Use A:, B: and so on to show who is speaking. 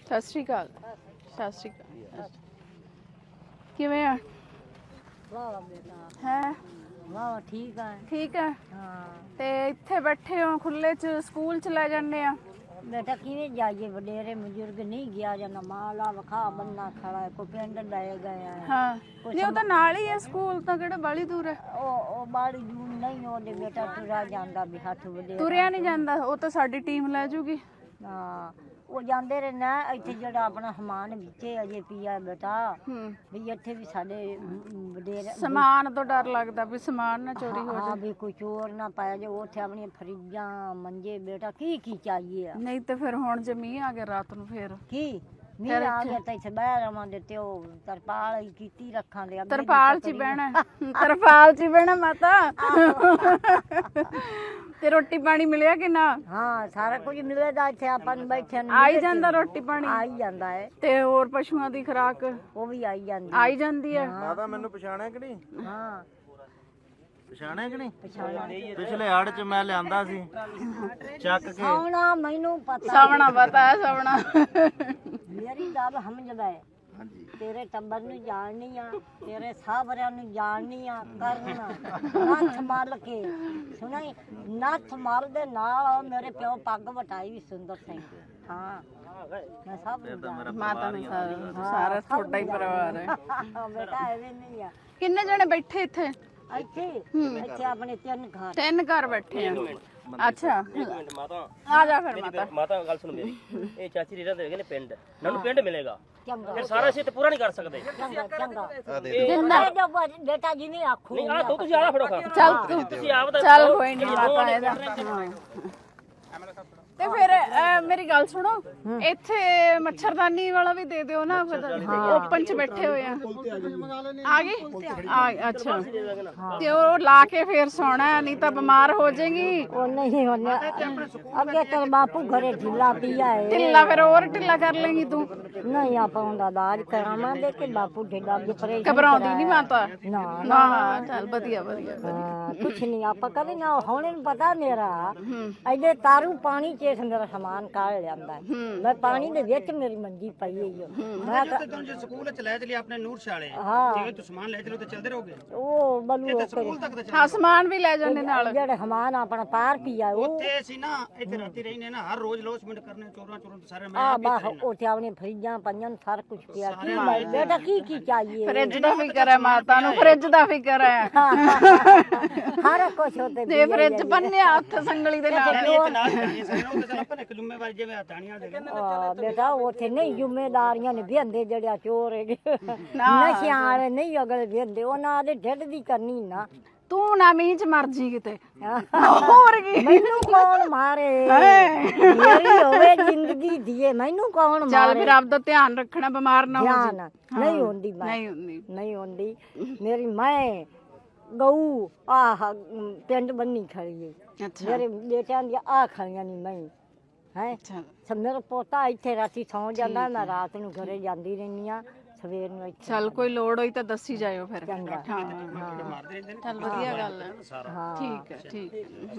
A: ਸਤਿ ਸ਼੍ਰੀ ਅਕਾਲ। ਸਤਿ ਸ਼੍ਰੀ ਅਕਾਲ। ਕਿਵੇਂ ਆ?
B: ਵਾਹ ਬੇਟਾ
A: ਹੈ
B: ਵਾਹ ਠੀਕ ਆ।
A: ਠੀਕ ਹੈ।
B: ਹਾਂ
A: ਤੇ ਇੱਥੇ ਬੈਠੇ ਹੋ ਖੁੱਲੇ ਚ, ਸਕੂਲ ਚ ਲੈ ਜਾਂਦੇ ਆ।
B: ਬੇਟਾ ਕਿਵੇਂ ਜਾਈਏ, ਵਡੇਰੇ ਬਜ਼ੁਰਗ ਨਹੀਂ ਗਿਆ ਜਾਂਦਾ, ਮਾਲਾ ਵਖਾ ਬੰਨਾ ਖੜਾ ਹੈ, ਕੋਈ ਪਿੰਡ ਲੈ ਗਿਆ ਹੈ।
A: ਹਾਂ ਨਹੀਂ, ਉਹ ਤਾਂ ਨਾਲ ਹੀ ਹੈ ਸਕੂਲ, ਤਾਂ ਕਿਹੜਾ ਬਾਲੀ ਦੂਰ ਹੈ।
B: ਉਹ ਬਾੜੀ ਦੂਰ ਨਹੀਂ, ਉਹਦੇ ਬੇਟਾ ਤੁਰਾ ਜਾਂਦਾ ਵੀ ਹੱਥ ਵਡੇਰੇ
A: ਤੁਰਿਆ ਨਹੀਂ ਜਾਂਦਾ, ਉਹ ਤਾਂ ਸਾਡੀ ਟੀਮ ਲੈ ਜੂਗੀ।
B: ਹਾਂ ਉਹ ਜਾਂਦੇ ਰਹੇ ਨਾ, ਇੱਥੇ ਜਿਹੜਾ ਆਪਣਾ ਸਮਾਨ ਵਿੱਚੇ ਅਜੇ ਪਿਆ ਬੇਟਾ, ਵੀ ਇੱਥੇ ਵੀ ਸਾਡੇ ਵਡੇਰੇ
A: ਸਮਾਨ ਤੋਂ ਡਰ ਲੱਗਦਾ ਵੀ ਸਮਾਨ ਨਾ ਚੋਰੀ ਹੋ
B: ਹਾਂ ਵੀ ਕੋਈ ਚੋਰ ਨਾ ਪਾਇਆ ਜੇ, ਉੱਥੇ ਆਪਣੀਆਂ ਫਰਿੱਜਾਂ ਮੰਜੇ ਬੇਟਾ ਕੀ ਚਾਹੀਏ ਆ।
A: ਨਹੀਂ ਤੇ ਫਿਰ ਹੁਣ ਜੇ ਮੀਂਹ ਆ ਗਿਆ ਰਾਤ ਨੂੰ ਫੇਰ
B: ਕੀ ਮੀਂਹ ਆ ਗਿਆ ਤਾਂ ਇੱਥੇ ਬਹਿ ਰਵਾਂਗੇ, ਤੇ ਉਹ ਤਰਪਾਲ ਹੀ ਕੀਤੀ ਰੱਖਾਂਗੇ।
A: ਤਰਪਾਲ 'ਚ ਹੀ ਬਹਿਣਾ, ਤਰਪਾਲ 'ਚ ਹੀ ਬਹਿਣਾ ਮਾਤਾ। ਤੇ ਰੋਟੀ ਪਾਣੀ ਮਿਲਿਆ ਕਿ ਨਾ?
B: ਹਾਂ ਸਾਰਾ ਕੁਝ ਮਿਲੇਗਾ ਇੱਥੇ, ਆਪਾਂ ਨੂੰ ਬੈਠਿਆਂ ਨੂੰ
A: ਆਈ ਜਾਂਦਾ ਰੋਟੀ ਪਾਣੀ?
B: ਆਈ ਜਾਂਦਾ ਹੈ।
A: ਤੇ ਹੋਰ ਪਸ਼ੂਆਂ ਦੀ ਖੁਰਾਕ
B: ਉਹ ਵੀ ਆਈ ਜਾਂਦੀ
A: ਆਈ ਜਾਂਦੀ ਹੈ।
C: ਮਾਤਾ ਮੈਨੂੰ ਪਛਾਣਿਆ ਕਿ ਨਹੀਂ?
B: ਹਾਂ
C: ਪਛਾਣਿਆ ਕਿ ਨਹੀਂ?
B: ਪਛਾਣਿਆ।
C: ਪਿਛਲੇ ਹੜ ਚ ਮੈਂ ਲਿਆਂਦਾ ਸੀ ਚੱਕ ਕੇ।
B: ਸੌਣਾ ਮੈਨੂੰ ਪਤਾ,
A: ਸਵਣਾ ਪਤਾ ਹੈ, ਸਵਣਾ।
B: ਮੇਰੀ ਗੱਲ ਸਮਝਦਾ ਹੈ। ਤੇਰੇ ਟੱਬਰ ਨੂੰ ਜਾਣਨੀ ਆ, ਤੇਰੇ ਸਾਹਬਰਿਆਂ ਨੂੰ ਜਾਣਨੀ ਆ, ਕਰਨਾ ਨੱਥ ਮਲ ਕੇ ਸੁਣਾਈ, ਨੱਥ ਮਲ ਦੇ ਨਾਲ ਮੇਰੇ ਪਿਓ ਪੱਗ ਵਟਾਈ ਵੀ ਸੁੰਦਰ ਸਿੰਘ। ਹਾਂ ਮੈਂ ਸਭ ਨੂੰ ਜਾਣਦੀ।
A: ਮਾਤਾ ਨੇ ਸਾਰਾ ਤੁਹਾਡਾ ਹੀ ਪਰਿਵਾਰ ਹੈ।
B: ਬੇਟਾ ਐਵੇਂ ਨਹੀਂ ਆ।
A: ਕਿੰਨੇ ਜਣੇ ਬੈਠੇ ਇੱਥੇ?
B: ਇੱਥੇ ਆਪਣੇ
A: ਤਿੰਨ ਘਰ ਬੈਠੇ ਆ। ਅੱਛਾ
D: ਮਾਤਾ
A: ਆ ਜਾ ਫਿਰ ਮਾਤਾ।
D: ਮਾਤਾ ਗੱਲ ਸੁਣ ਮੇਰੀ, ਇਹ ਚਾਚੀ ਰੀਰਾ ਦੇ ਨੇ ਪਿੰਡ, ਨਾਨੂੰ ਪਿੰਡ ਮਿਲੇਗਾ।
B: ਚੰਗਾ
D: ਫਿਰ ਸਾਰਾ ਅਸੀਂ ਤੇ ਪੂਰਾ ਨਹੀਂ ਕਰ ਸਕਦੇ।
B: ਚੰਗਾ
A: ਜਿੰਦਾ
B: ਬੇਟਾ ਜਿਵੇਂ ਆਖੂ
D: ਨਹੀਂ ਆ ਤੁਸੀਂ ਆਲਾ ਫੜੋ ਖਾ।
A: ਚੱਲ ਤੂੰ,
D: ਤੁਸੀਂ ਆਪ ਦਾ
A: ਚੱਲ ਕੋਈ ਨਹੀਂ ਮਾਤਾ ਇਹਦਾ। ਤੇ ਫਿਰ ਮੇਰੀ ਗੱਲ ਸੁਣੋ, ਇੱਥੇ ਮੱਛਰਦਾਨੀ ਵਾਲਾ ਵੀ ਦੇ ਦਿਓ ਨਾ, ਓਪਨ ਚ ਬੈਠੇ ਹੋਏ ਆ। ਆ ਗਏ? ਅੱਛਾ, ਤੇ ਉਹ ਲਾ ਕੇ ਫੇਰ ਸੌਣਾ, ਨਹੀਂ ਤਾਂ ਬਿਮਾਰ ਹੋ ਜਾਏਗੀ।
B: ਉਹ ਨਹੀਂ ਹੋਣਾ, ਅੱਗੇ ਤੇ ਬਾਪੂ ਘਰੇ ਢਿੱਲਾ ਪਿਆ ਹੈ।
A: ਢਿੱਲਾ ਫਿਰ ਹੋਰ ਢਿੱਲਾ ਕਰ ਲੇਗੀ ਤੂੰ।
B: ਨਹੀਂ ਆਪਾਂ ਉਹਦਾ ਇਲਾਜ ਕਰਾਵਾਂਗੇ ਕਿ ਬਾਪੂ ਢਿੱਲਾ ਵੀ ਪਰੇ
A: ਘਬਰਾਉਂਦੀ ਨਹੀਂ ਮਾਤਾ?
B: ਨਾ
A: ਨਾ ਚੱਲ ਵਧੀਆ ਵਧੀਆ।
B: ਹਾਂ ਕੁਛ ਨਹੀਂ ਆਪਾਂ ਕਦੇ ਨਾ, ਹੁਣ ਇਹਨੂੰ ਪਤਾ ਮੇਰਾ ਐਡੇ ਤਾਰੂ ਪਾਣੀ ਚ ਮੇਰਾ ਸਮਾਨ ਕਾੜ ਲਿਆਂਦਾ ਹੈ। ਮੈਂ ਪਾਣੀ ਦੇ ਵਿੱਚ ਮੇਰੀ ਮੰਜੀ ਪਈ ਹੋਈ ਹੈ। ਮੈਂ
E: ਤੁਹਾਨੂੰ ਜੇ ਸਕੂਲ ਚ ਲੈ ਚਲੀ ਆਪਣੇ ਨੂਰ ਸ਼ਾਲੇ,
B: ਹਾਂ
E: ਜਿਵੇਂ ਤੂੰ ਸਮਾਨ ਲੈ ਚਲੋ ਤੇ ਚੱਲਦੇ ਰਹੋਗੇ
B: ਉਹ ਬਲੂ
E: ਸਕੂਲ ਤੱਕ ਤੇ
A: ਹਾਂ, ਸਮਾਨ ਵੀ ਲੈ ਜਾਂਦੇ ਨਾਲ।
B: ਜਿਹੜੇ ਸਮਾਨ ਆਪਣਾ ਪਾਰ ਪੀਆ ਉਹ
E: ਉੱਥੇ ਅਸੀਂ ਨਾ ਇੱਥੇ ਰਾਤੀ ਰਹਿਨੇ ਨਾ, ਹਰ ਰੋਜ਼ ਲੋਸਮੈਂਟ ਕਰਨੇ, ਚੋਰਾਂ ਤੋਂ ਸਾਰੇ ਮੈਂ
B: ਆ ਬਾਹ ਉੱਥੇ ਆਪਣੀ ਫਰਿੱਜਾਂ ਪਈਆਂ ਸਾਰਾ ਕੁਝ ਪਿਆ। ਕੀ ਬੇਟਾ ਕੀ ਚਾਹੀਏ?
A: ਫਰਿੱਜ ਦਾ ਫਿਕਰ ਹੈ ਮਾਤਾ ਨੂੰ, ਫਰਿੱਜ ਦਾ ਫਿਕਰ ਹੈ।
B: ਸਾਰਾ ਕੁਝ ਉੱਤੇ
A: ਜੇ ਫਰਿੱਜ ਬੰਨਿਆ ਹੱਥ ਸੰਗਲੀ ਦੇ ਨਾਲ।
E: ਇੱਥੇ ਨਾਲ ਕਰੀਏ ਸਾਰੇ ਉਹ ਤਾਂ ਆਪਾਂ ਇੱਕ ਜ਼ਿੰਮੇਵਾਰੀ ਜਿਵੇਂ ਹਟਾਣੀਆਂ ਦੇ
B: ਬੇਟਾ ਉੱਥੇ ਨਹੀਂ ਜ਼ਿੰਮੇਦਾਰੀਆਂ ਨੇ ਵਿਹੰਦੇ ਜਿਹੜੇ ਚੋਰ ਹੈਗੇ, ਨਸ਼ਿਆਂ ਵਾਲੇ ਨਹੀਂ ਅਗਲੇ ਵਿਹੰਦੇ, ਉਹਨਾਂ ਦੇ ਢਿੱਡ ਦੀ ਕਰਨੀ ਨਾ।
A: ਤੂੰ ਨਾ ਮੀਂਹ ਚ ਮਰ ਜੀ ਕਿਤੇ, ਹੋਰ ਕੀ।
B: ਮੈਨੂੰ ਕੌਣ ਮਾਰੇ, ਮੇਰੀ ਹੋਵੇ ਜ਼ਿੰਦਗੀ ਦੀਏ, ਮੈਨੂੰ ਕੌਣ
A: ਚੱਲ
B: ਮਾਰੇ।
A: ਫਿਰ ਆਪਦਾ ਧਿਆਨ ਰੱਖਣਾ, ਬਿਮਾਰ ਨਾ ਹੋ
B: ਧਿਆਨ
A: ਜਾ।
B: ਨਹੀਂ ਹੁੰਦੀ, ਮੈਂ
A: ਨਹੀਂ ਹੁੰਦੀ।
B: ਨਹੀਂ ਹੁੰਦੀ ਮੇਰੀ। ਮੈਂ ਗਊ ਆਹ ਪਿੰਡ ਬੰਨੀ ਖੜੀ ਹੈ,
A: ਅੱਛਾ
B: ਮੇਰੇ ਬੇਟਿਆਂ ਦੀ ਆ ਖੜੀਆਂ ਨਹੀਂ ਮੈਂ ਹੈ।
A: ਅੱਛਾ
B: ਮੇਰਾ ਪੋਤਾ ਇੱਥੇ ਰਾਤੀ ਸੌਂ ਜਾਂਦਾ, ਮੈਂ ਰਾਤ ਨੂੰ ਘਰੇ ਜਾਂਦੀ ਰਹਿੰਦੀ ਆ, ਸਵੇਰ ਨੂੰ ਇੱਥੇ।
A: ਚੱਲ ਕੋਈ ਲੋੜ ਹੋਈ ਤਾਂ ਦੱਸੀ ਜਾਇਓ ਫਿਰ।
B: ਚੰਗਾ।
A: ਹਾਂ ਚੱਲ ਵਧੀਆ ਗੱਲ ਹੈ।
B: ਹਾਂ
A: ਠੀਕ ਹੈ, ਠੀਕ ਹੈ।